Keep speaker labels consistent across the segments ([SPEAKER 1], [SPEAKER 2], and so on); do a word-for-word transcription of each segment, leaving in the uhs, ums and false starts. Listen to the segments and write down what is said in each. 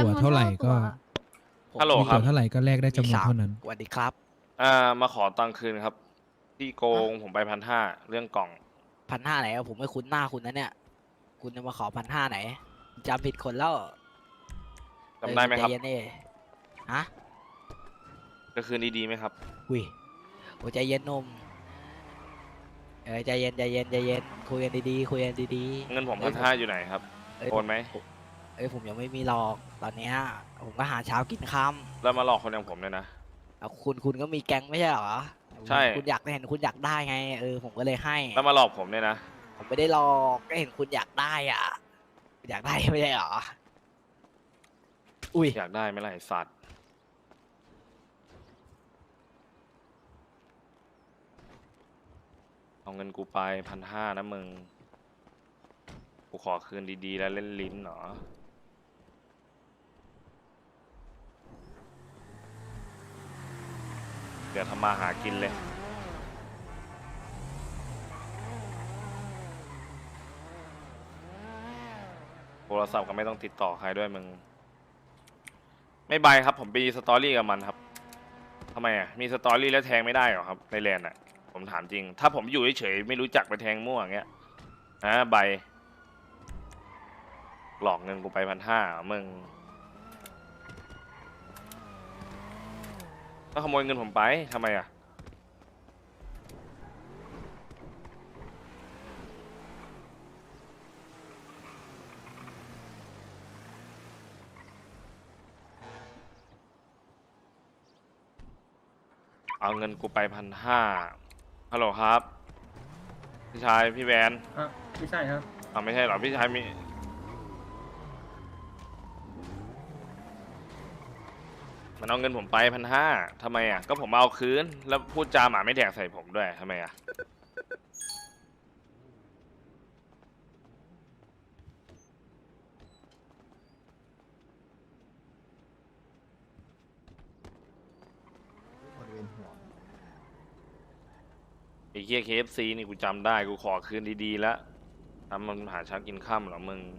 [SPEAKER 1] ตั๋วเท่าไหร่ก็
[SPEAKER 2] ฮัลโหล
[SPEAKER 1] มี
[SPEAKER 2] ครั
[SPEAKER 1] ตั๋
[SPEAKER 2] บ
[SPEAKER 1] วเท่าไหร่ก็แลกได้จำนวนเท่านั้น
[SPEAKER 3] สวัสดีครับ
[SPEAKER 2] อ่ามาขอตังค์คืนครับที่โกงผมไปพันห้าเรื่องกล่อง
[SPEAKER 3] พันห้าไหนอะผมไม่คุ้นหน้าคุณนะเนี่ย คุณจะมาขอพันห้าไหนจำผิดคนแล้ว
[SPEAKER 2] จำได้ไหมครับ
[SPEAKER 3] เออใจเย็นดิฮะ
[SPEAKER 2] จะคืนดีๆไหมครับ
[SPEAKER 3] อุ้ยโอ้ใจเย็นหนุ่มเออใจเย็นใจเย็นใจเย็นคุยกันดีๆคุยกันดีๆ
[SPEAKER 2] เงินผม
[SPEAKER 3] อ้
[SPEAKER 2] พั
[SPEAKER 3] ย
[SPEAKER 2] นห้าอยู่ไหนครับ
[SPEAKER 3] เอ้ย
[SPEAKER 2] โอนไหม
[SPEAKER 3] ผเอ้ยผมยังไม่มีหรอกตอนเนี้ยผมก็หาเช้ากินค่
[SPEAKER 2] แล้วมาหลอกคนอย่างผมเนี่ยนะ
[SPEAKER 3] ำเอาคุณคุณก็มีแก๊งไม่ใช่เหรอ
[SPEAKER 2] ใช่
[SPEAKER 3] คุณอยากเห็นคุณอยากได้ไงเออผมก็เลยให้
[SPEAKER 2] แล้วมาหลอกผมเนี่ยนะ
[SPEAKER 3] ผมไม่ได้หลอกก็เห็นคุณอยากได้อ่ะอยากได้ไม่ใช่เหรออุ้ย
[SPEAKER 2] อยากได้ไหมล่ะไอ้สัตว์เอาเงินกูไปพันห้านะมึงกูขอคืนดีๆแล้วเล่นลิ้นเหรอเดี๋ยวทำมาหากินเลยโทรศัพท์ก็ไม่ต้องติดต่อใครด้วยมึงไม่ใบครับผมไปสตอรี่กับมันครับทำไมอ่ะมีสตอรี่แล้วแทงไม่ได้เหรอครับในแลนด์อ่ะผมถามจริงถ้าผมอยู่เฉยๆไม่รู้จักไปแทงมั่วอย่างเงี้ยฮะใบหลอกเงินกูไปพันห้ามึงก็ขโมยเงินผมไปทำไมอ่ะเอาเงินกูไปพันห้าฮัลโหลครับพี่ชายพี่แวน
[SPEAKER 4] อ่ะไม่ใช่ครับ
[SPEAKER 2] อ่าไม่ใช่หรอพี่ชายมีมันเอาเงินผมไปพันห้าทำไมอ่ะก็ผมเอาคืนแล้วพูดจาหมาไม่แดกใส่ผมด้วยทำไมอ่ะไอ้เหี้ย เค เอฟ ซี นี่กูจำได้กูขอคืนดีๆแล้วทำมันหาเช้ากินค่ำเหรอมึง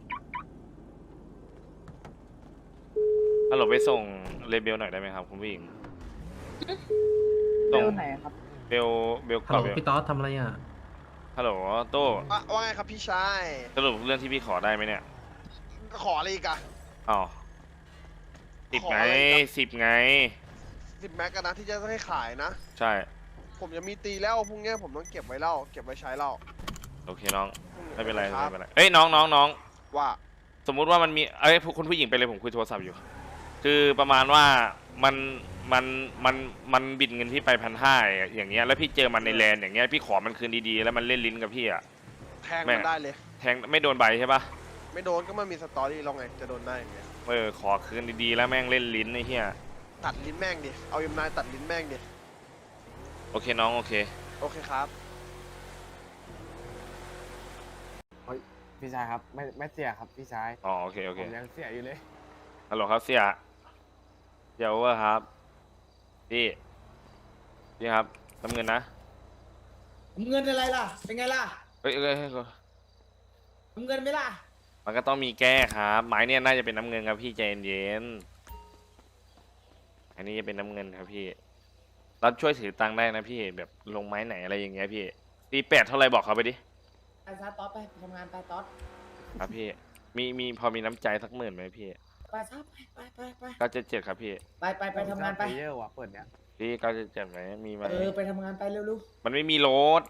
[SPEAKER 2] ฮัลโหลไปส่งเลเบลหน่อยได้ไหมครับคุณผู้หญิง
[SPEAKER 5] เบลไหนครับ
[SPEAKER 2] เบลเบล
[SPEAKER 4] ฮัล
[SPEAKER 2] ก่อ
[SPEAKER 4] โห
[SPEAKER 2] น
[SPEAKER 4] ล
[SPEAKER 2] เบล
[SPEAKER 4] พี่ต๊อดทำอะไรอ่ะ
[SPEAKER 2] ฮัลโหลโต้
[SPEAKER 6] ว่าว่าไงครับพี่ชาย
[SPEAKER 2] สรุปเรื่องที่พี่ขอได้ไหมเนี่ย
[SPEAKER 6] ขออะไรอีกอะ
[SPEAKER 2] อ๋อสิบ
[SPEAKER 6] ขอ
[SPEAKER 2] ไง
[SPEAKER 6] อะไรอีกอะ
[SPEAKER 2] สิบไง
[SPEAKER 6] สิบแม็กกันนะที่จะให้ขายนะ
[SPEAKER 2] ใช่
[SPEAKER 6] ผมจะมีตีแล้วพรุ่งนี้ผมต้องเก็บไว้เล่าเก็บไว้ใช้เล่า
[SPEAKER 2] โอเคน้อง
[SPEAKER 6] พรุ่ง
[SPEAKER 2] ไม่เป็นไร
[SPEAKER 6] ค
[SPEAKER 2] ไม่
[SPEAKER 6] รับ
[SPEAKER 2] เป็นไรเอ้ยน้องน้องน้อง
[SPEAKER 6] ว่า
[SPEAKER 2] สมมุติว่ามันมีเอ้ยคุณผู้หญิงไปเลยผมคุยโทรศัพท์อยู่ คือประมาณว่ามันมันมันมันบิดเงินพี่ไปพันห้าอย่างเงี้ยแล้วพี่เจอมันในแลนด์อย่างเงี้ยพี่ขอมันคืนดีๆแล้วมันเล่นลิ้นกับพี่อะ
[SPEAKER 6] แทง
[SPEAKER 2] แม่
[SPEAKER 6] มันได้เลย
[SPEAKER 2] แทงไม่โดนใบใช่ปะ
[SPEAKER 6] ไม่โดนก็ไม่มีสตอรี่เราไงจะโดนได้ยังไง
[SPEAKER 2] เออขอคืนดีๆแล้วแม่งเล่นลิ้นไอ้เหี้ย
[SPEAKER 6] ตัดลิ้นแม่งดิเอายมนายตัดลิ้นแม่งดิ
[SPEAKER 2] โอเคน้องโอเค
[SPEAKER 6] โอเคครับ
[SPEAKER 5] พี่ชายครับ ไม่ไม่เสียครับพี่ชาย
[SPEAKER 2] อ๋อโอเคโอ
[SPEAKER 5] ผ
[SPEAKER 2] เค
[SPEAKER 5] มยังเสียอยู่เลย
[SPEAKER 2] ฮัลโหลครับเสี่ยเดี๋ยวว่าครับพี่พี่ครับน้ำเงินนะ
[SPEAKER 7] เงินอะไรล่ะ เป็นไงล่ะ
[SPEAKER 2] เอ้ยเอ้ยเอ้ย
[SPEAKER 7] เงินไหมล่ะ
[SPEAKER 2] มันก็ต้องมีแก้ครับไม้เนี่ยน่าจะเป็นน้ำเงินครับพี่ใจเย็นๆอันนี้จะเป็นน้ำเงินครับพี่เราช่วยถือตังค์ได้นะพี่แบบลงไม้ไหนอะไรอย่างเงี้ยพี่ตีแปดเท่าไรบอกเขาไปดิ
[SPEAKER 7] ไปซะต๊อดไปทำงานไปต๊อด
[SPEAKER 2] ครับพี่มีมีพอมีน้ำใจสักหมื่นไหมพี่
[SPEAKER 7] ไปซะไปไปไปไป
[SPEAKER 2] เก้าเจ็ดเจ็ดครับพี่
[SPEAKER 7] ไปไปไปทำงานไป
[SPEAKER 5] เยอะว่ะเปิดเนี้ย
[SPEAKER 2] พี่เก้าเจ็ดเจ็ดไหมมีไหม
[SPEAKER 7] เออ ไปทำงานไปเร็ว
[SPEAKER 2] มันไม่มีรถ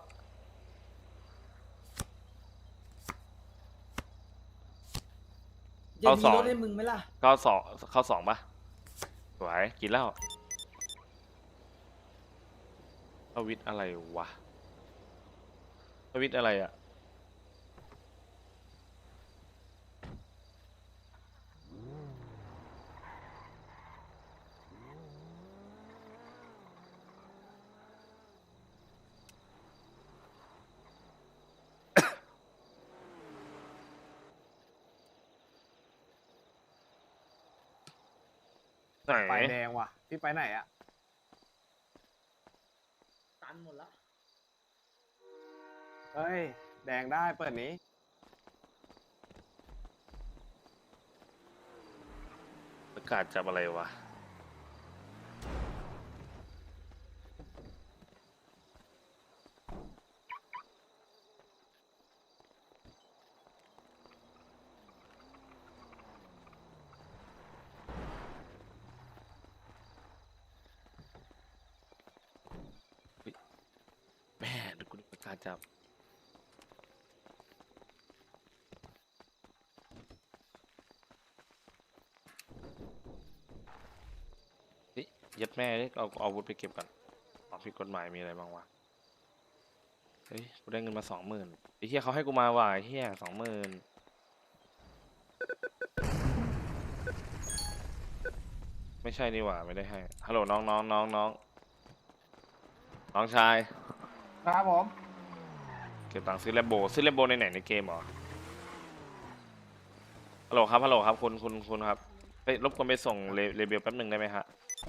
[SPEAKER 7] ๆจะมีรถให้มึงไหมล่ะ
[SPEAKER 2] เข้าสองเข้าสองปะสวยกินแล้วทวิตอะไรวะทวิตอะไรอะไหน
[SPEAKER 5] ไฟแดงว่ะ พี่ไปไหนอ่ะ
[SPEAKER 7] ตันหมดแล้ว
[SPEAKER 5] เฮ้ย แดงได้เปิดนี้
[SPEAKER 2] ประกาศจับอะไรวะเฮ้ยแม่ดูกูดูประกาศจับเฮ้ยยัดแม่ดิเอาเอาอาวุธไปเก็บก่อนของผิดกฎหมายมีอะไรบ้างวะเฮ้ยกูได้เงินมาสองหมื่นไอ้เหี้ยเขาให้กูมาว่ะไอ้เหี้ยสองหมื่นไม่ใช่นี่หว่าไม่ได้ให้ฮัลโหลน้องน้องน้องน้องน้องชาย
[SPEAKER 5] ครับผม
[SPEAKER 2] เก็บตังค์ซื้อแลมโบซื้อแลมโบในไหนในเกมเหรอฮัลโหลครับฮัลโหลครับคุณคุณคุณครับไปรบกวนไปส่งเรเรเบลแป๊บหนึ่งได้ไหมฮะ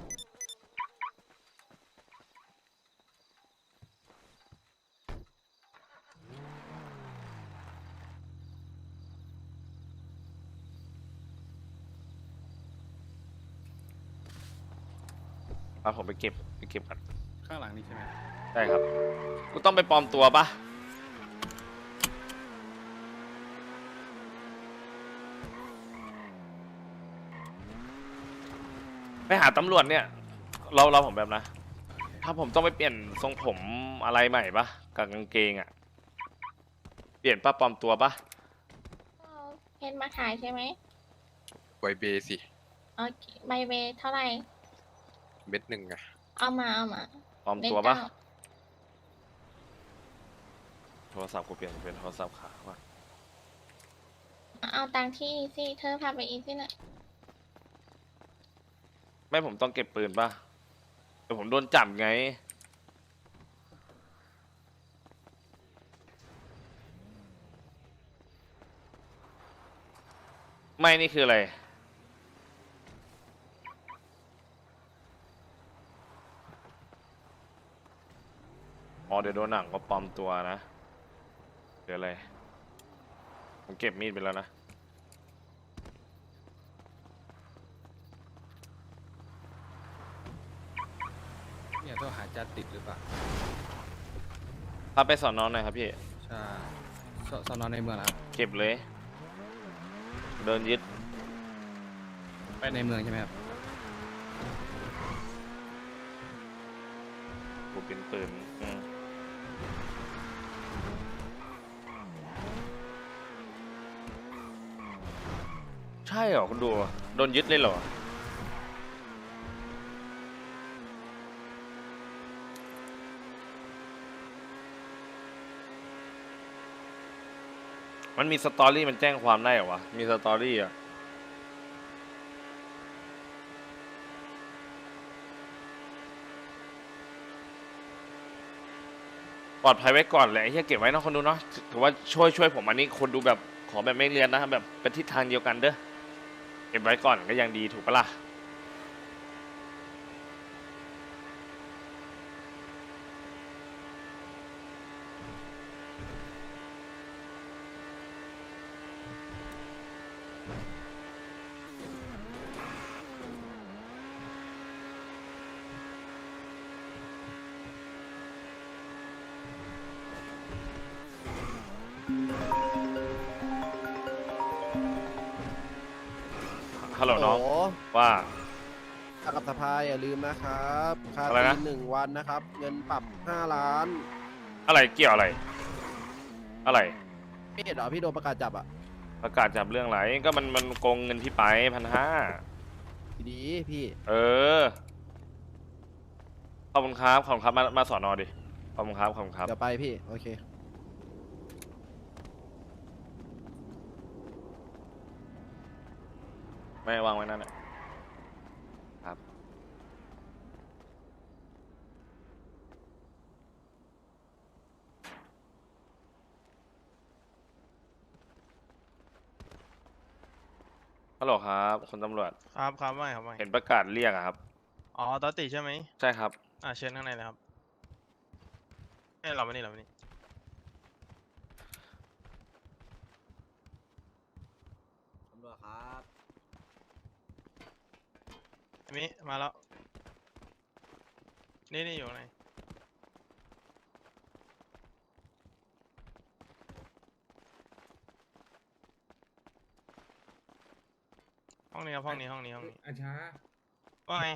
[SPEAKER 2] ครับผมไปเก็บไปเก็บกัน
[SPEAKER 1] ข้างหลังนี่ใช่ไหม
[SPEAKER 2] ได้ครับกูต้องไปปลอมตัวปะไปหาตำรวจเนี่ยเราเราผมแบบนะ ถ้าผมต้องไปเปลี่ยนทรงผมอะไรใหม่ปะกับกางเกงอะเปลี่ยนป้าปลอมตัวปะ
[SPEAKER 4] เอาเพชรมาขายใช่ไหม
[SPEAKER 8] ไวเบสิ
[SPEAKER 4] โอเคใบเวเท่าไหร่
[SPEAKER 8] เม็ดหนึ่งอะ
[SPEAKER 4] เอามาเอามา
[SPEAKER 2] ปลอม
[SPEAKER 4] เม็ด
[SPEAKER 2] ตัวปะ
[SPEAKER 4] เก้า
[SPEAKER 2] โทรศัพท์กูเปลี่ยนเป็นโทรศัพท์ขาว่ะ
[SPEAKER 4] เอาตังค์ที่อีซี่เธอพาไปอีซี่น่ะ
[SPEAKER 2] ไม่ผมต้องเก็บปืนปะแต่ผมโดนจับไง ไม่นี่คืออะไร อ๋อเดี๋ยวโดนหนังก็ปลอมตัวนะหรืออะไร ผมเก็บมีดไปแล้วนะ
[SPEAKER 1] เนี่ยต้องหาจัดติดหรือเปล่า
[SPEAKER 2] พาไปสอนน้องหน่อยครับพี่
[SPEAKER 1] ใช่สสอนอนในเมืองเหรอครับ
[SPEAKER 2] เก็บเลย เดินยึด
[SPEAKER 1] ไปในเมืองใช่ไหมครับ
[SPEAKER 2] กูเป็นปืนอืมใช่เหรอคุณดู โดนยึดเลยเหรอ มันมีสตอรี่มันแจ้งความได้เหรอวะ มีสตอรี่อ่ะ ปลอดภัยไว้ก่อนแหละไอ้เหี้ยเก็บไว้เนอะคนดูเนาะถือว่าช่วยช่วยผมอันนี้คนดูแบบขอแบบไม่เรียนนะแบบเป็นทิศทางเดียวกันเด้อเก็บไว้ก่อนก็ยังดีถูกปะล่ะฮัลโหลน้องว่า
[SPEAKER 9] ค่ากับสภาอย่าลืมนะครับค่า
[SPEAKER 2] อะไร
[SPEAKER 9] ตี
[SPEAKER 2] นะ
[SPEAKER 9] หนึ่งวันนะครับ เงินปรับห้าล้าน
[SPEAKER 2] อะไรเกี่ยวอะไร อะไร
[SPEAKER 9] พี่เห็นเหรอพี่โดนประกาศจับอ่ะ
[SPEAKER 2] ประกาศจับเรื่องอะไรก็มันมันโกงเงินพี่ไปพันห้า
[SPEAKER 9] ดีๆพี่
[SPEAKER 2] เออขอบคุณครับขอบคุณครับมามาสอนอดิขอบคุณครับขอบคุณครับ
[SPEAKER 9] เดี๋ยวไปพี่ โอเค
[SPEAKER 2] ไม่วางไว้นั่นแหละครับฮัลโหลครับคุณตำรวจ
[SPEAKER 10] ครับครับไม่ครับไม่
[SPEAKER 2] เห็นประกาศเรียกอะครับ
[SPEAKER 10] อ๋อตอติใช่ไหม
[SPEAKER 2] ใช่ครับ
[SPEAKER 10] อ่าเชิญข้างในเลยครับให้เรามานี่เรามานี่
[SPEAKER 9] ตำรวจครับ
[SPEAKER 10] มิมาแล้ว นี่นี่อยู่ไหนห้องนี้ครับห้องนี้ห้องนี้ห้องนี้
[SPEAKER 1] อาช้า
[SPEAKER 10] ว่าไง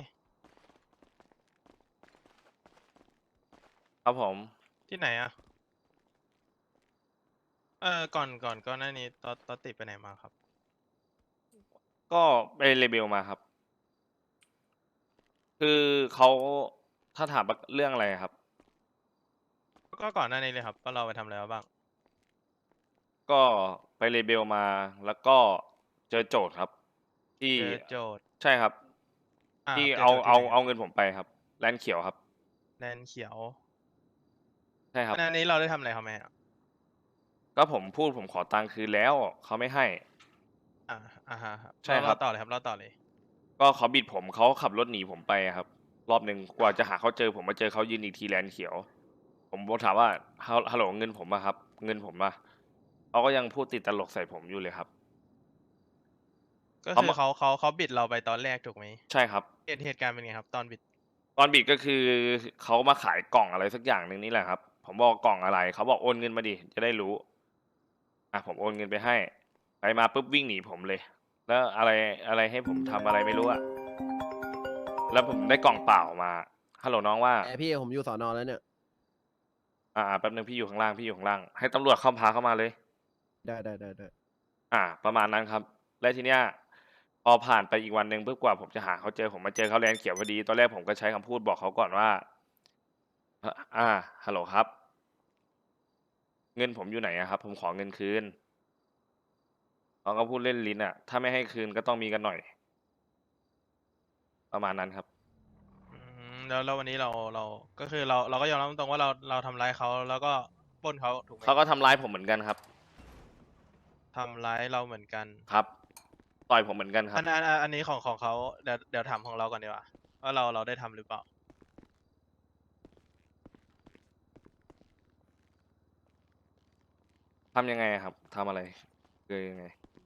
[SPEAKER 2] ครับผม
[SPEAKER 10] ที่ไหนอะเออก่อนก่อนก่อนหน้านี้ตอนตอนติดไปไหนมาครับ
[SPEAKER 2] ก็ไปเรเบลมาครับ คือเขาถ้าถามว่าเรื่องอะไรครับ
[SPEAKER 10] ก็ก่อนหน้านี้เลยครับว่าเราไปทำอะไรมาบ้าง
[SPEAKER 2] ก็ไปเรเบลมาแล้วก็เจอโจทย์ครับ ที่
[SPEAKER 10] เจอโจทย์
[SPEAKER 2] ใช่ครับ
[SPEAKER 10] อ่า
[SPEAKER 2] ที่
[SPEAKER 10] จ
[SPEAKER 2] เอา
[SPEAKER 10] โจทย์
[SPEAKER 2] เอา
[SPEAKER 10] ที่ไหน
[SPEAKER 2] เอาเงินผมไปครับแลนด์เขียวครับ
[SPEAKER 10] แดนเขียว
[SPEAKER 2] ใช่ครับ
[SPEAKER 10] อันนี้เราได้ทำอะไรเขาไหมอะ
[SPEAKER 2] ก็ผมพูดผมขอตังค์คืนแล้วเขาไม่ให้
[SPEAKER 10] อ่าอ่าฮะครับ
[SPEAKER 2] ใช่ครับ
[SPEAKER 10] เาต่อเลยครับเราต่อเลย
[SPEAKER 2] ก็เขาบิดผมเขาขับรถหนีผมไปครับ รอบหนึ่งกว่าจะหาเขาเจอผมมาเจอเขายืนอีกทีแลนด์เขียว ผมบอกถามว่าฮัลฮัลโหลเงินผมอะครับ เงินผมอะเขาก็ยังพูดติดตลกใส่ผมอยู่เลยครับ
[SPEAKER 10] ก็
[SPEAKER 2] เขา
[SPEAKER 10] คือ
[SPEAKER 2] มา
[SPEAKER 10] เขาเขาเขาบิดเราไปตอนแรกถูกไหม
[SPEAKER 2] ใช่ครับ
[SPEAKER 10] เหตุเหตุการณ์เป็นไงครับ ตอนบิด
[SPEAKER 2] ตอนบิดก็คือเขามาขายกล่องอะไรสักอย่างหนึ่งนี่แหละครับ ผมบอกกล่องอะไรเขาบอกโอนเงินมาดิจะได้รู้อ่ะผมโอนเงินไปให้ ไปมาปุ๊บวิ่งหนีผมเลย แล้วอะไรอะไรให้ผมทำอะไรไม่รู้อะแล้วผมได้กล่องเปล่ามาฮัลโหลน้องว่า
[SPEAKER 9] ไอพี่ผมอยู่สอนอแล้วเนี่ย
[SPEAKER 2] อ่าแป๊บนึงพี่อยู่ข้างล่างพี่อยู่ข้างล่างให้ตำรวจเข้าพาเข้ามาเลย
[SPEAKER 9] ได้ได้ได้ได้
[SPEAKER 2] อ่า ประมาณนั้นครับ และทีเนี้ยพอผ่านไปอีกวันหนึ่งเพื่อกว่าผมจะหาเขาเจอผมมาเจอเขาแลนด์เขียวพอดีตอนแรกผมก็ใช้คำพูดบอกเขาก่อนว่าอ่าอ่าฮัลโหลครับ เงินผมอยู่ไหนอะครับ ผมขอเงินคืนเขาก็พูดเล่นลิ้นอะถ้าไม่ให้คืนก็ต้องมีกันหน่อย ประมาณนั้นครับ
[SPEAKER 10] อืมแล้วแล้ววันนี้เราเราก็คือเราเราก็ยอมรับตรงๆว่าเราเราทำร้ายเขาแล้วก็ปล้นเขาถูกไหม
[SPEAKER 2] เขาก็ทำร้ายผมเหมือนกันครับ
[SPEAKER 10] ทำร้ายเราเหมือนกัน
[SPEAKER 2] ครับต่อยผมเหมือนกันครั
[SPEAKER 10] อั
[SPEAKER 2] บ
[SPEAKER 10] นอันอันอันนี้ของของเขาเดี๋ยวเดี๋ยวถามของเราก่อนดีกว่าว่าเราเราได้ทำหรือเปล่า
[SPEAKER 2] ทำยังไงอะครับทำอะไรคือยังไง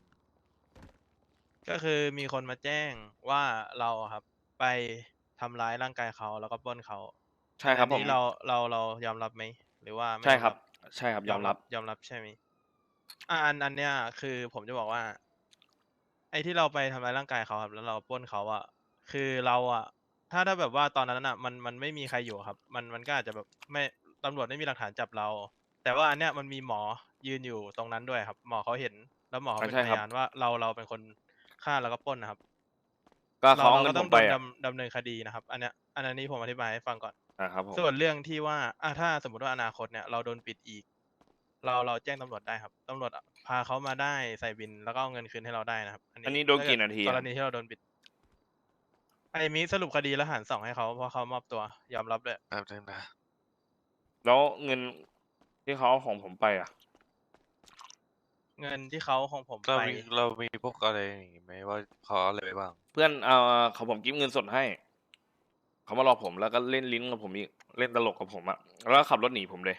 [SPEAKER 10] ก็คือมีคนมาแจ้งว่าเราอะครับไปทำร้ายร่างกายเขาแล้วก็ปล้นเขา
[SPEAKER 2] ใช่ครับ
[SPEAKER 10] อัน
[SPEAKER 2] ผม
[SPEAKER 10] นี้เราเราเรายอมรับไหมหรือว่าไม่
[SPEAKER 2] ใช่
[SPEAKER 10] ยอม
[SPEAKER 2] ครับ ใช่ครับยอมรับ
[SPEAKER 10] ยอมรับใช่ไหมอ่าอันอันเนี้ยคือผมจะบอกว่า ไอ้ที่เราไปทำร้ายร่างกายเขาครับแล้วเราปล้นเขาอะคือเราอะถ้าถ้าแบบว่าตอนนั้นอะมันมันไม่มีใครอยู่ครับ มันมันก็อาจจะแบบไม่ตำรวจไม่มีหลักฐานจับเรา แต่ว่าอันเนี้ยมันมีหมอยืนอยู่ตรงนั้นด้วยครับ หมอเขาเห็นแล้วหมอเขาเป็น
[SPEAKER 2] ใช่
[SPEAKER 10] พ
[SPEAKER 2] ครับ
[SPEAKER 10] ยานว่าเราเราเป็นคนฆ่าแล้วก็ปล้นนะครับ
[SPEAKER 2] ก็
[SPEAKER 10] เรา
[SPEAKER 2] เขาเอา
[SPEAKER 10] เรา
[SPEAKER 2] เงิ
[SPEAKER 10] ก็
[SPEAKER 2] น
[SPEAKER 10] ต้
[SPEAKER 2] ผ
[SPEAKER 10] อง
[SPEAKER 2] ม
[SPEAKER 10] โด
[SPEAKER 2] ไป
[SPEAKER 10] น
[SPEAKER 2] อะ
[SPEAKER 10] ดำดำเนินคดีนะครับ อันเนี้ยอันนี้ผมอธิบายให้ฟังก่อน
[SPEAKER 2] อ่าครับผม
[SPEAKER 10] ส่วนเรื่องที่ว่าอ่ะถ้าสมมติว่าอนาคตเนี่ยเราโดนปิดอีก เราเราแจ้งตำรวจได้ครับตำรวจพาเขามาได้ใส่บินแล้วก็เอาเงินคืนให้เราได้นะครับ
[SPEAKER 2] อันนี้โดนกี่นาที
[SPEAKER 10] ก
[SPEAKER 2] อะ
[SPEAKER 10] รณีที่เราโดนปิดไอ้มิสรุปคดีแล้วหารสองให้เขาเพราะเขามอบตัวยอมรับเลย
[SPEAKER 8] แป๊บนึงนะ
[SPEAKER 2] แล้วเงินที่เขาเอาของผมไปอ่ะ
[SPEAKER 10] เงินที่เขาของผม
[SPEAKER 8] เรา
[SPEAKER 10] ไป
[SPEAKER 8] มีเรามีพวกอะไรอย่างงี้ไหมว่าเขาเอาอะไรไปบ้าง
[SPEAKER 2] เพื่อนเอาเขาผมกิฟเงินสดให้ เขามาหลอกผมแล้วก็เล่นลิ้นกับผมอีกเล่นตลกกับผมอะแล้วก็ขับรถหนีผมเลย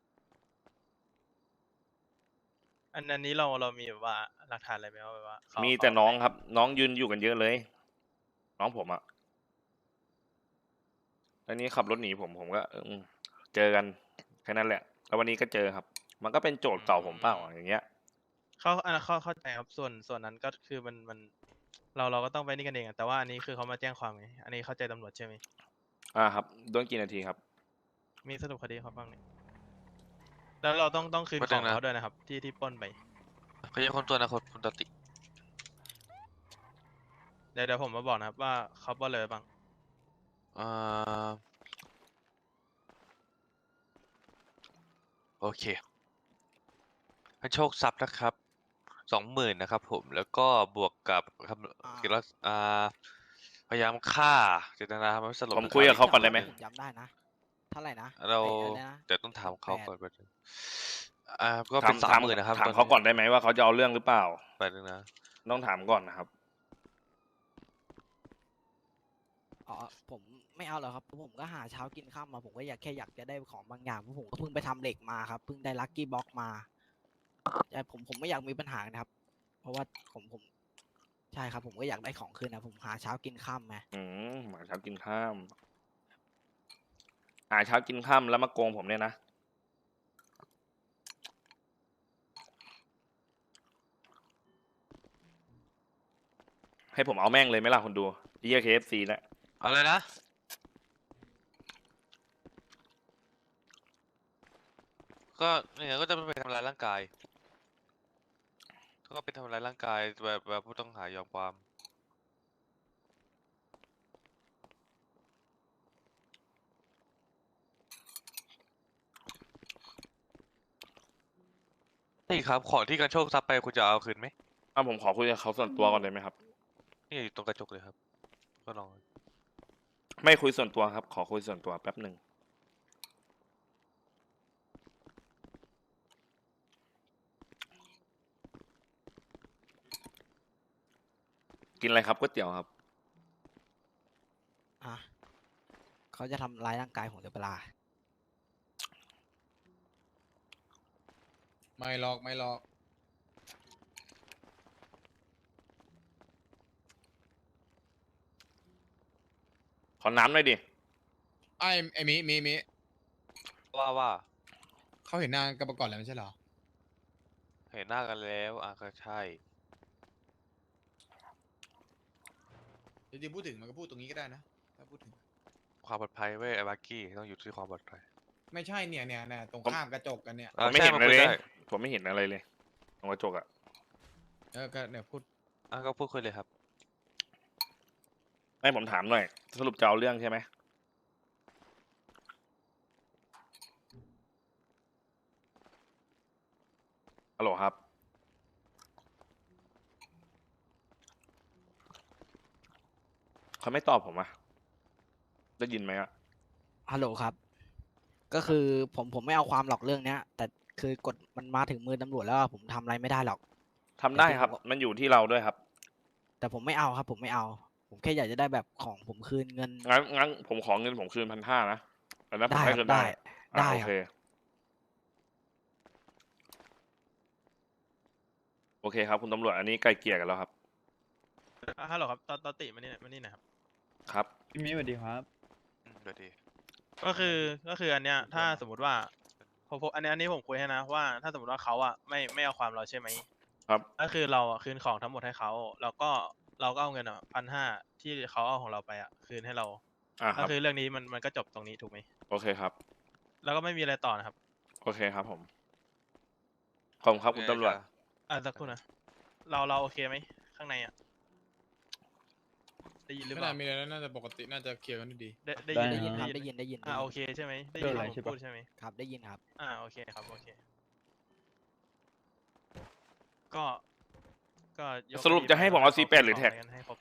[SPEAKER 10] อันอันนี้เราเรามีแบบว่าหลักฐานอะไรไหมว่าแบบว่าเขา
[SPEAKER 2] มี
[SPEAKER 10] เขา
[SPEAKER 2] แต่น้อง
[SPEAKER 10] ไห
[SPEAKER 2] ครับ น้องยืนอยู่กันเยอะเลย น้องผมอะอันนี้ขับรถหนีผมผมก็เออเจอกันแค่นั้นแหละ แล้ววันนี้ก็เจอครับ มันก็เป็นโจทย์เก่าผมเปล่าอย่างเงี้ย
[SPEAKER 10] เขาอันนั้นเข้าเข้าใจครับส่วนส่วนนั้นก็คือมันมัน เราเราก็ต้องไปนี่กันเองอะแต่ว่าอันนี้คือเขามาแจ้งความไงอันนี้เข้าใจตำรวจใช่ไหม
[SPEAKER 2] อ่าครับโดนกี่นาทีครับ
[SPEAKER 10] มีสรุปคดีเขาบ้างเนี่ยแล้วเราต้องต้องคืน
[SPEAKER 8] แป๊บ
[SPEAKER 10] ข
[SPEAKER 8] นึ
[SPEAKER 10] อง
[SPEAKER 8] งนะ
[SPEAKER 10] เขาด้วยนะครับ ที่ที่ปล้นไป
[SPEAKER 8] เขาจะคนตัวนะคนคุณตติ
[SPEAKER 10] เดี๋ยวเดี๋ยวผมมาบอกนะครับว่าเขาปล้นเลยบ้าง
[SPEAKER 8] อ่าโอเคให้โชคทรัพย์นะครับสองหมื่นนะครับผมแล้วก็บวกกับคำกิรสอ่าพยายามฆ่าเจตนาทำให้สลบ
[SPEAKER 2] ผมคุยกับเขาก่อนได้ไหม
[SPEAKER 3] ผมจำได้นะ เท่าไหร่นะ
[SPEAKER 8] เรา
[SPEAKER 3] ไอ้อะไรนะ
[SPEAKER 8] เดี๋ยวต้องถามเขา
[SPEAKER 3] แปด
[SPEAKER 8] ก่อนแป๊บนึงอ่าก็
[SPEAKER 2] ถา
[SPEAKER 8] เป็
[SPEAKER 2] ม
[SPEAKER 8] นสา
[SPEAKER 2] ถาม ม
[SPEAKER 8] หมื่นนะครับ
[SPEAKER 2] ถาม
[SPEAKER 8] ตอน
[SPEAKER 2] เขา
[SPEAKER 8] นี้
[SPEAKER 2] ก่อนได้ไหมว่าเขาจะเอาเรื่องหรือเปล่า
[SPEAKER 8] แป๊บนึงนะ
[SPEAKER 2] ต้องถามก่อนนะครับ
[SPEAKER 3] อ๋อผมไม่เอาหรอกครับผมก็หาเช้ากินข้ามมาผมก็อยากแค่อยากจะได้ของบางอย่างเพราะผมก็เพิ่งไปทำเหล็กมาครับเพิ่งได้ลัคกี้บ็อกมาแต่ผมผมไม่อยากมีปัญหานะครับ เพราะว่าผมผมใช่ครับผมก็อยากได้ของคืนนะผมหาเช้ากินค่ำไง
[SPEAKER 2] อืมหาเช้ากินข้ามหาเช้ากินข้ามแล้วมาโกงผมเนี่ยนะให้ผมเอาแม่งเลยไหมล่ะคนดูเยี่ยเคเอฟซีนะ
[SPEAKER 8] อะไรนะ ก็เนี่ยก็จะไปทำร้ายร่างกาย ก็ไปทำร้ายร่างกายแบบแบบผู้ต้องหายอมความ นี่ครับของที่กันโชคทรัพย์ไปคุณจะเอาคืนไหม
[SPEAKER 2] อ่ะผมขอคุยกับเขาส่วนตัวก่อนเลยไหมครับ
[SPEAKER 8] นี่อยู่ตรงกระจกเลยครับ ก็ลอง
[SPEAKER 2] ไม่คุยส่วนตัวครับ ขอคุยส่วนตัวแป๊บหนึ่งกินอะไรครับก๋วยเตี๋ยวครับ
[SPEAKER 3] อ่ะเขาจะทำร้ายร่างกายผมหรือเปล่า
[SPEAKER 1] ไม่หรอกไม่หรอก
[SPEAKER 2] ขอน้ำหน่อยดิ
[SPEAKER 1] ไอ้ไอ้มิมิมิ
[SPEAKER 8] ว่าว่า
[SPEAKER 1] เขาเห็นหน้ากันมาก่อนแล้วไม่ใช่เหรอ
[SPEAKER 8] เห็นหน้ากันแล้วอ่ะก็ใช่
[SPEAKER 1] จริงๆพูดถึงมันก็พูดตรงนี้ก็ได้นะ ถ้าพูดถึง
[SPEAKER 8] ความปลอดภัยเว้ยไอ้บักกี้ต้องอยู่ที่ความปลอดภัย
[SPEAKER 1] ไม่ใช่เนี่ยเนี่ยเนี่ยตรง
[SPEAKER 2] ผม
[SPEAKER 1] ข้ามกระจกกันเนี่ย
[SPEAKER 2] ผมไม่
[SPEAKER 8] ใช่
[SPEAKER 2] เห็น
[SPEAKER 8] มัน
[SPEAKER 2] อะไร
[SPEAKER 8] คุย
[SPEAKER 2] เลย
[SPEAKER 8] ได้
[SPEAKER 2] ผมไม่เห็นอะไรเลยตรงกระจกอะ
[SPEAKER 1] เออ ก็เนี่ยพูด
[SPEAKER 8] อ่ะก็พูดคุยเลยครับ
[SPEAKER 2] ให้ผมถามหน่อย สรุปจะเอาเรื่องใช่ไหมฮัลโหลครับ เขาไม่ตอบผมอะได้ยินไหมอะ
[SPEAKER 3] ฮัลโหลครับ ก็คือผมผมไม่เอาความหรอกเรื่องเนี้ย แต่คือกฎมันมาถึงมือตำรวจแล้วอะผมทำอะไรไม่ได้หรอก
[SPEAKER 2] ทำได้ครับ
[SPEAKER 3] แต่ผม
[SPEAKER 2] มันอยู่ที่เราด้วยครับ
[SPEAKER 3] แต่ผมไม่เอาครับ ผมไม่เอา ผมแค่อยากจะได้แบบของผมคืนเงิน
[SPEAKER 2] งั้นงั้นผมขอเงินผมคืนพันห้านะอันนั้นผม
[SPEAKER 3] ได้
[SPEAKER 2] ให้
[SPEAKER 3] ค
[SPEAKER 2] คื
[SPEAKER 3] รับ
[SPEAKER 2] นได้
[SPEAKER 3] ได้
[SPEAKER 2] อ่ะ
[SPEAKER 3] ได้
[SPEAKER 2] โอ
[SPEAKER 3] ครั
[SPEAKER 2] เค
[SPEAKER 3] บ
[SPEAKER 2] โอเคครับคุณตำรวจอันนี้ไกลเกลี่ยกันแล้วครับ
[SPEAKER 10] อ่ะฮัลโหลครับตอนตอนติมานี่หน่อยมานี่หนะครับ
[SPEAKER 2] ครับ
[SPEAKER 5] พี่มิสวัสดีครับ
[SPEAKER 8] อืมเดี๋ยวดี
[SPEAKER 10] ก็คือก็คืออันเนี้ยถ้าสมมติว่าผมผมอันนี้อันนี้ผมคุยให้นะว่าถ้าสมมติว่าเขาอ่ะไม่ไม่เอาความเราใช่ไหม
[SPEAKER 2] ครับ
[SPEAKER 10] ก็คือเราอ่ะคืนของทั้งหมดให้เขาแล้วก็เราก็เอาเงินอ่ะพันห้าที่เขาเอาของเราไปอ่ะคืนให้เรา
[SPEAKER 2] อ่าค
[SPEAKER 10] ก็
[SPEAKER 2] รับ
[SPEAKER 10] คือเรื่องนี้มันมันก็จบตรงนี้ถูกไหม
[SPEAKER 2] โอเคครับ
[SPEAKER 10] แล้วก็ไม่มีอะไรต่อนะครับ
[SPEAKER 2] โอเคครับผม ขอบคุณครับคุณตำรวจ
[SPEAKER 10] อ่ะสักครู่นะเราเราโอเคไหมข้างในอ่ะได้ยินหรือ
[SPEAKER 1] ไม่
[SPEAKER 10] เป
[SPEAKER 1] น่า
[SPEAKER 10] ล่า
[SPEAKER 1] มีอะไรแล้วน่าจะปกติน่าจะเคลียร์กันดี
[SPEAKER 10] ได้ได้
[SPEAKER 5] ได้
[SPEAKER 10] ยิน
[SPEAKER 3] ได้ยินครับ
[SPEAKER 10] ได้
[SPEAKER 3] ได้
[SPEAKER 10] ยิน
[SPEAKER 3] ยินได้ยิน
[SPEAKER 10] อ่า
[SPEAKER 3] ได้
[SPEAKER 10] โอ
[SPEAKER 3] ยิน
[SPEAKER 10] เคใช่ไหมได้
[SPEAKER 5] เรื่
[SPEAKER 10] ยิ
[SPEAKER 5] อน งอะไร
[SPEAKER 10] ที่ผม
[SPEAKER 5] ใช่ปะ
[SPEAKER 10] พูดใช่ไหม
[SPEAKER 3] ครับได้ยินครับ
[SPEAKER 10] อ่าโอเคครับโอเค ก็ก็ยก
[SPEAKER 2] สรุป
[SPEAKER 10] คดี
[SPEAKER 2] จะให้ผมเอา
[SPEAKER 10] ไป
[SPEAKER 2] ซี แปด หรือแท็ก
[SPEAKER 10] ขะไกันให้ครบ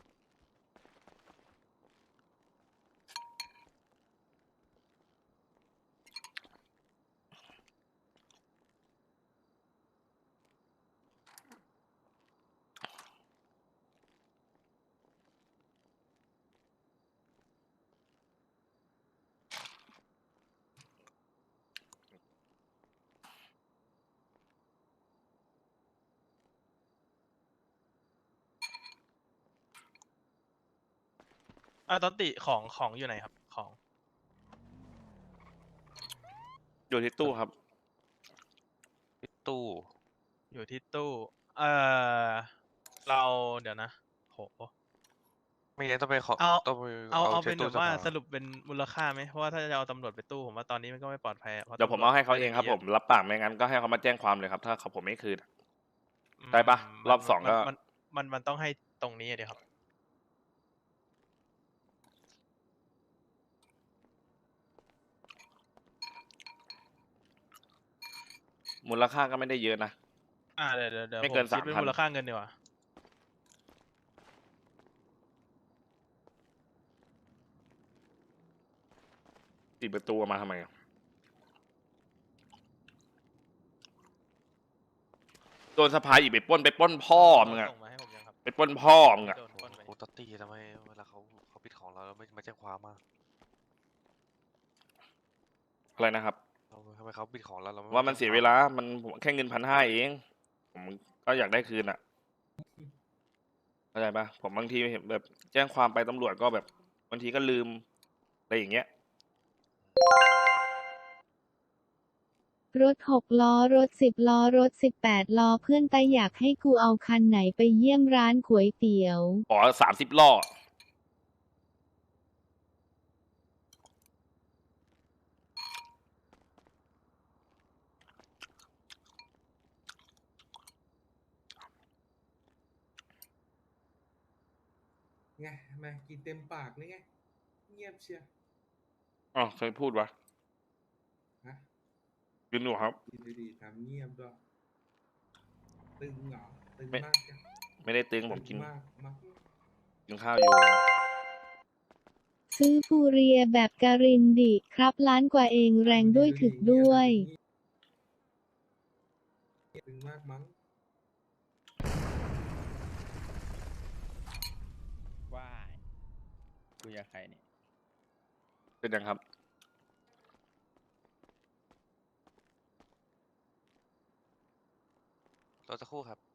[SPEAKER 10] อ่าตอนติของของอยู่ไหนครับของ
[SPEAKER 2] อยู่ที่ตู้ครับ
[SPEAKER 8] ที่ตู้
[SPEAKER 10] อยู่ที่ตู้ เอ่อ เราเดี๋ยวนะ โห
[SPEAKER 8] ไม่งั้นต้องไปขอ
[SPEAKER 10] เอา
[SPEAKER 8] ต้องไป
[SPEAKER 10] เอาเอา
[SPEAKER 8] ช็
[SPEAKER 10] เป็
[SPEAKER 8] คน
[SPEAKER 10] แบ
[SPEAKER 8] ตู้
[SPEAKER 10] บว่า
[SPEAKER 8] ภ
[SPEAKER 10] สรุปเป็นมูลค่าไหมเพราะว่าถ้าจะเอาตำรวจไปตู้ผมว่าตอนนี้มันก็ไม่ปลอดภัยอะพราะ
[SPEAKER 2] เดี๋ยวผม
[SPEAKER 10] ตำรวจ
[SPEAKER 2] เอาให้เขาเองครับ
[SPEAKER 10] ะ
[SPEAKER 2] ผมรับปากไม่งั้นก็ให้เขามาแจ้งความเลยครับ ถ้าเขาผมไม่คืน
[SPEAKER 10] อืม
[SPEAKER 2] ได้ปะ
[SPEAKER 10] มัน
[SPEAKER 2] รอบสอง
[SPEAKER 10] มัน
[SPEAKER 2] ก็
[SPEAKER 10] มันมันมันต้องให้ตรงนี้อะเดี๋ยวครับ
[SPEAKER 2] มูลค่าก็ไม่ได้เยอะนะ
[SPEAKER 10] อ่าเดี๋ยวเดี๋ยวเดี๋ยว
[SPEAKER 2] ไม่
[SPEAKER 10] ผ
[SPEAKER 2] เกิน
[SPEAKER 10] มคิดเป็น
[SPEAKER 2] สามพัน
[SPEAKER 10] มูลค่าเงินดีกว่า
[SPEAKER 2] ติดประตูเอามาทำไมอะโดนสภาอีกไปปล้นไปปล้นพ่อมึงอะ
[SPEAKER 10] ส่งมาให้ผมยังครับ
[SPEAKER 2] ไปปล้นพ่อมึงอะ
[SPEAKER 10] โดนปล้นไป
[SPEAKER 8] โอ้ตัตตี้ทำไมเวลาเขาเขาปิดของเราแล้วไม่มาแจ้งความมา
[SPEAKER 2] อะไรนะครับ
[SPEAKER 8] เราทำไมเขาปิดของเราเราไ
[SPEAKER 2] ว่ามัน
[SPEAKER 8] แจ้ง
[SPEAKER 2] เสีย
[SPEAKER 8] คว
[SPEAKER 2] เวลา มันผมแค่เงินพันห้าเอง ผมก็อยากได้คืนอะเข้าใจปะผมบางทีเห็นแบบแจ้งความไปตำรวจก็แบบบางทีก็ลืมอะไรอย่างเงี้ย
[SPEAKER 11] รถหกล้อรถสิบล้อรถสิบแปดล้อเพื่อนตาอยากให้กูเอาคันไหนไปเยี่ยมร้านก๋วยเตี๋ยว
[SPEAKER 2] ขอสามสิบล้อ
[SPEAKER 12] ไงทำไมกินเต็มปากเลยไง เงียบเชียว
[SPEAKER 2] อ๋อเคยพูดวะ
[SPEAKER 12] ฮะ
[SPEAKER 2] กินหนูครับ
[SPEAKER 12] กินดีๆทำเงียบด้วยตึงเหรอตึง
[SPEAKER 2] ไม่
[SPEAKER 12] มากจัง
[SPEAKER 2] ไม่ได้ตึงผมกิน
[SPEAKER 12] มากมาก
[SPEAKER 2] กินข้าวอยู่
[SPEAKER 11] ซื้อฟูเรียแบบการินดิครับล้านกว่าเองแรงด้วยถึกด้วย
[SPEAKER 12] ตึงมากมั้ง
[SPEAKER 5] ว้ายคุยกับใครเนี่ย
[SPEAKER 2] เป็นยังครับ
[SPEAKER 8] รอสักครู่ครับ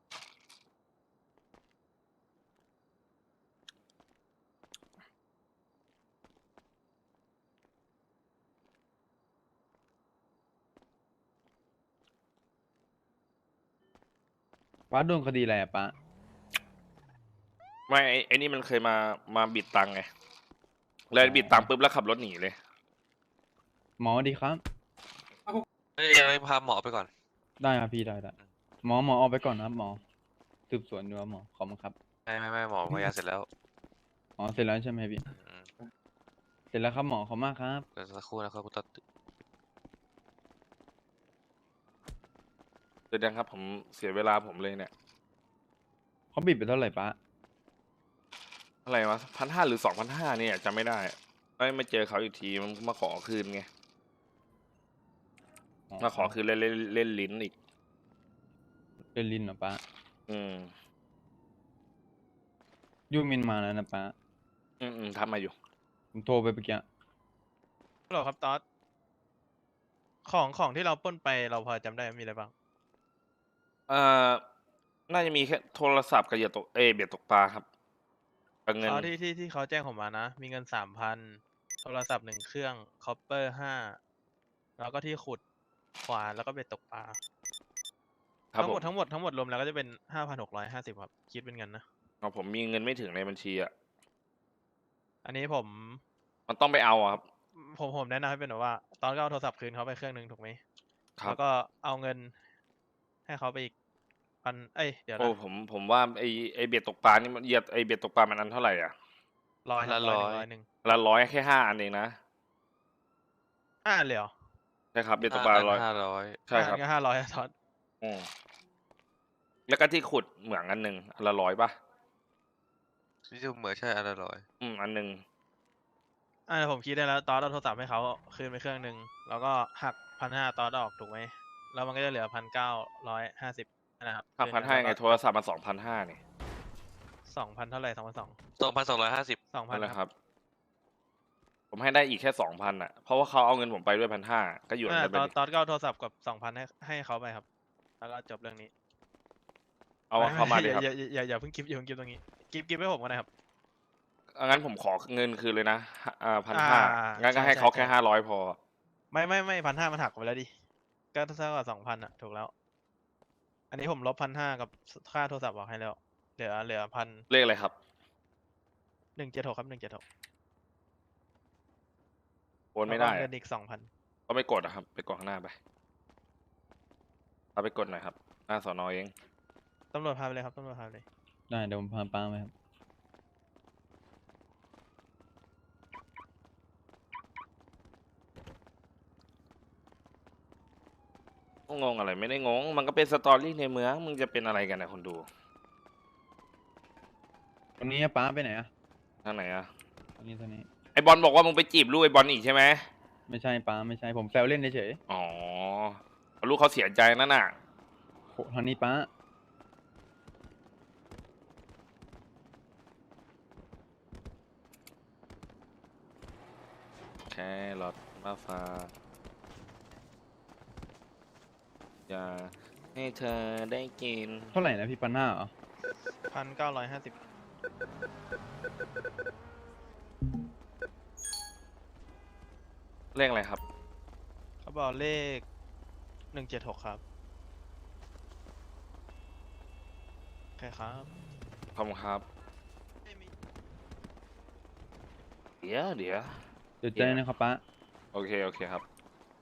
[SPEAKER 5] ป้าโดนคดีอะไรอะป้า
[SPEAKER 2] ไม่ไอ้ไอ้นี่มันเคยมามาบิดตังค์ไงเลยบิดตังค์ปุ๊บแล้วขับรถหนีเลย
[SPEAKER 5] หมอดีครับ
[SPEAKER 8] เอ้ยยังไม่พาหมอไปก่อน
[SPEAKER 5] ได้ครับพี่ได้ได้หมอหมอออกไปก่อนนะครับหมอสืบสวนดูครับหมอขอบคุณครับ
[SPEAKER 8] ไม่ไม่ไม่หมอพยาเสร็จแล้ว
[SPEAKER 5] อ๋อเสร็จแล้วใช่ไหมพี่
[SPEAKER 8] อืม
[SPEAKER 5] เสร็จแล้วครับหมอขอบคุณมากครับ
[SPEAKER 8] เดี๋ยวสักครู่นะครับคุณตัด
[SPEAKER 2] เป็นยังครับ ผมเสียเวลาผมเลยเนี่ย
[SPEAKER 5] เขาบิดไปเท่าไหร่ป้า
[SPEAKER 2] อะไรวะพันห้าหรือสองพันห้าเนี่ยจำไม่ได้ไม่มาเจอเขาอีกทีมันมาขอคืนไงมาขอคืนเล่นเล่นเล่นลิ้นอีก
[SPEAKER 5] เป็นลินเหรอป้า
[SPEAKER 2] อืม
[SPEAKER 5] ยูมินมาแล้วนะป้า
[SPEAKER 2] อืมอืมทำมาอยู่
[SPEAKER 5] ผมโทรไปเมื่อกี้
[SPEAKER 10] ฮัลโหลครับตอสของของที่เราปล้นไปเราพอจำได้ไหมมีอะไรบ้าง
[SPEAKER 2] เอ่อ น่าจะมีแค่โทรศัพท์กับเหยื่อตกเอยเบียดตกปลาครับกับเงิน
[SPEAKER 10] อ๋อที่ที่ที่เขาแจ้งผมมานะ มีเงินสามพันโทรศัพท์หนึ่งเครื่องคอปเปอร์ห้าแล้วก็ที่ขุดขวานแล้วก็เบ็ดตกปลา
[SPEAKER 2] ครับ
[SPEAKER 10] ทั้ง
[SPEAKER 2] ผ
[SPEAKER 10] หม
[SPEAKER 2] ม
[SPEAKER 10] ดทั้งหมดทั้งหมดรวมแล้วก็จะเป็นห้าพันหกร้อยห้าสิบครับ คิดเป็นเงินนะ
[SPEAKER 2] เอาผมมีเงินไม่ถึงในบัญชีอ่ะ
[SPEAKER 10] อันนี้ผม
[SPEAKER 2] มันต้องไปเอาอะครับ
[SPEAKER 10] ผมผมแนะนำให้เป็นแบบว่า ตอนก็เอาโทรศัพท์คืนเขาไปเครื่องหนึ่งถูกไหม
[SPEAKER 2] ครับ
[SPEAKER 10] แล้วก็เอาเงินให้เขาไปอีกพันเอ้ยเดี๋ยว
[SPEAKER 2] โอ้
[SPEAKER 10] นะ
[SPEAKER 2] ผมผมว่าไอไอเบียดตกปลานี่มันเหยียดไอเบียดตกปลามันอันเท่าไหร่อ่ะ
[SPEAKER 10] ร้อย
[SPEAKER 8] ละ
[SPEAKER 10] ร้อย
[SPEAKER 8] ร้อย
[SPEAKER 10] ร้อยหนึ่ง
[SPEAKER 2] ละร้อยแค่ห้าอันเองนะ
[SPEAKER 10] ห้าเลยเหรอ
[SPEAKER 2] ใช่ครับเบียดตกปลาร้อย
[SPEAKER 8] ห้าร้อย
[SPEAKER 2] ใช่ครับ
[SPEAKER 10] ก็ห้าร้อยทอด
[SPEAKER 2] อืมแล้วก็ที่ขุดเหมืองอันหนึ่งอันละร้อยป่ะ
[SPEAKER 8] ที่ดูเหมือนใช่อันละร้อย
[SPEAKER 2] อืมอันหนึ่ง
[SPEAKER 10] อ่าผมคิดได้แล้วตอนเอาโทรศัพท์ให้เขาคืนไปเครื่องหนึ่งแล้วก็หักพันห้าตอนออกถูกไหมแล้วมันก็จะเหลือพันเก้าร้อยห้าสิบนะครับ
[SPEAKER 2] ห้าพันห้าไงโทรศัพท์มันสองพันห้านี่
[SPEAKER 10] สองพันเท่าไหร่สองพันสอง
[SPEAKER 8] สองพันสองร้อยห้าสิบ
[SPEAKER 10] สองพั
[SPEAKER 2] นั่
[SPEAKER 10] น
[SPEAKER 2] นแหละ
[SPEAKER 10] ค
[SPEAKER 2] ครับ รับ ผมให้ได้อีกแค่สองพันอ่ะ เพราะว่าเขาเอาเงินผมไปด้วยพันห้าก็หยวน
[SPEAKER 10] อ่า
[SPEAKER 2] กันไป
[SPEAKER 10] ตอน
[SPEAKER 2] ดิ
[SPEAKER 10] ตอนก็เอาโทรศัพท์กับสองพันให้ให้เขาไปครับ แล้วก็จบเรื่องนี้
[SPEAKER 2] เอาเข้ามาดิครับ
[SPEAKER 10] อย่าอย่าอย่าอย่าเพิ่งกิฟอย่าเพิ่งกิฟตรงนี้กิฟกิฟให้ผมก็ได้ครับ
[SPEAKER 2] งั้นผมขอเงินคืนเลยนะอ่าพัน
[SPEAKER 10] อ่า
[SPEAKER 2] ห้างั้นก็
[SPEAKER 10] ใช่
[SPEAKER 2] ให้เขา
[SPEAKER 10] ใช่
[SPEAKER 2] แค่
[SPEAKER 10] ใช่
[SPEAKER 2] ห้าร้อยพอ
[SPEAKER 10] ไม่ไม่ไม่พันห้ามันหักไปแล้วดิก็เท่ากับสองพันอะถูกแล้ว อันนี้ผมลบพันห้ากับค่าโทรศัพท์ออกให้แล้ว เหลือเหลือพัน
[SPEAKER 2] เลขอะไรครับ
[SPEAKER 10] หนึ่งเจ็ดหกครับหนึ่งเจ็ดหก
[SPEAKER 2] โอนไม่ได้
[SPEAKER 10] เงิ
[SPEAKER 2] อะ
[SPEAKER 10] นอีกสองพัน
[SPEAKER 2] ก็ไม่กดอะครับ ไปกดข้างหน้าไปเอาไปกดหน่อยครับ หน้าสอนอเอง
[SPEAKER 10] ตำรวจพาไปเลยครับตำรวจพาไปเลย
[SPEAKER 5] ได้เดี๋ยวผมพาป้าไปครับ
[SPEAKER 2] งงอะไรไม่ได้งง มันก็เป็นสตอรี่ในเมืองมึงจะเป็นอะไรกันนะคนดู
[SPEAKER 5] วันนี้ป้าไปไหนอะ
[SPEAKER 2] ทางไหนอะ
[SPEAKER 5] วันนี้ตอนนี้
[SPEAKER 2] ไอบอลบอกว่ามึงไปจีบลูกไอบอลอีกใช่ไหม
[SPEAKER 5] ไม่ใช่ป้าไม่ใช่ผมแซวเล่นเฉย
[SPEAKER 2] อ๋อลูกเขาเสียใจนั่นน่ะ
[SPEAKER 5] ๆโหทางนี้ป้า
[SPEAKER 2] แค่รถมาฟ้าอยากให้เธอได้กิน
[SPEAKER 5] เท่าไหร่นะพี่ปันหน้าเหรอ
[SPEAKER 10] พันเก้าร้อยห้าสิบ
[SPEAKER 2] เลขอะไรครับ
[SPEAKER 10] เขาบอกเลขหนึ่งเจ็ดหกครับโอเคครับ
[SPEAKER 2] ขอบคุณครับ เดี๋ยวเดี๋ยว
[SPEAKER 5] เดี๋ยวเจอนะครับป้า
[SPEAKER 2] โอเค โอเคครับ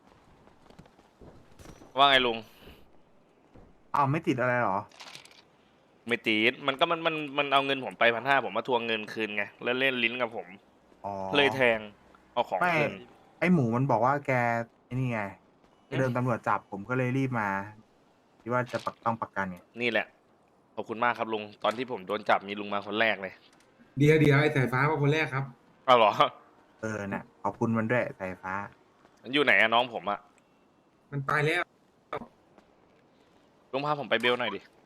[SPEAKER 2] ว่าไงลุง
[SPEAKER 9] อ้าวไม่ติดอะไรหรอ
[SPEAKER 2] ไม่ตีดมันก็มันมันมันเอาเงินผมไปพันห้าผมมาทวงเงินคืนไง แล้วเล่นลิ้นกับผม
[SPEAKER 9] อ๋อ
[SPEAKER 2] เลยแทง เอาของ
[SPEAKER 9] ไม่
[SPEAKER 2] คืน
[SPEAKER 9] ไอหมูมันบอกว่าแกไอ้นี่ไง
[SPEAKER 2] อืม
[SPEAKER 9] เดินตำรวจจับผมก็เลยรีบมาคิดว่าจะปักต้องประกันไง
[SPEAKER 2] นี่แหละ ขอบคุณมากครับลุง ตอนที่ผมโดนจับมีลุงมาคนแรกเลย
[SPEAKER 12] เดียวเดียวไอ้สายฟ้ามาคนแรกครับ
[SPEAKER 2] เอาเหรอ
[SPEAKER 9] เออน่ะขอบคุณมันด้วยสายฟ้า
[SPEAKER 2] มันอยู่ไหนอะน้องผมอะ
[SPEAKER 12] มันตายแล้ว
[SPEAKER 2] ลุงพาผมไปเบลหน่อยดิ